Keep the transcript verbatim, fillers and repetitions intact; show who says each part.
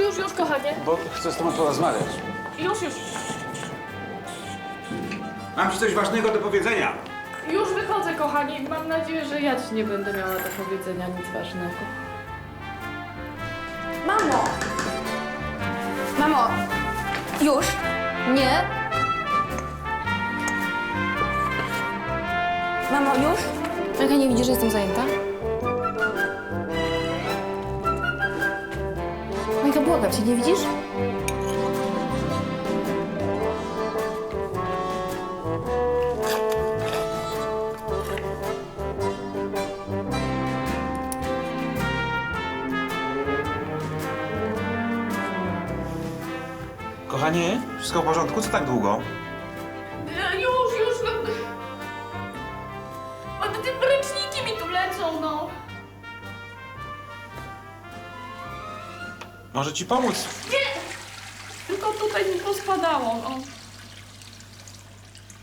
Speaker 1: już, już, kochanie.
Speaker 2: Bo chcę z tobą porozmawiać.
Speaker 1: Już, już.
Speaker 3: Mam ci coś ważnego do powiedzenia.
Speaker 1: Już wychodzę, kochani. Mam nadzieję, że ja ci nie będę miała do powiedzenia nic ważnego.
Speaker 4: Mamo! Mamo! Już? Nie? Mamo, już? Jaka nie widzisz, że jestem zajęta? Majka, błagam cię, nie widzisz?
Speaker 3: Kochanie, wszystko w porządku? Co tak długo?
Speaker 1: E, Już, już. No. O, te te ręczniki mi tu lecą, no.
Speaker 3: Może ci pomóc?
Speaker 1: Nie! Tylko tutaj mi pospadało, no.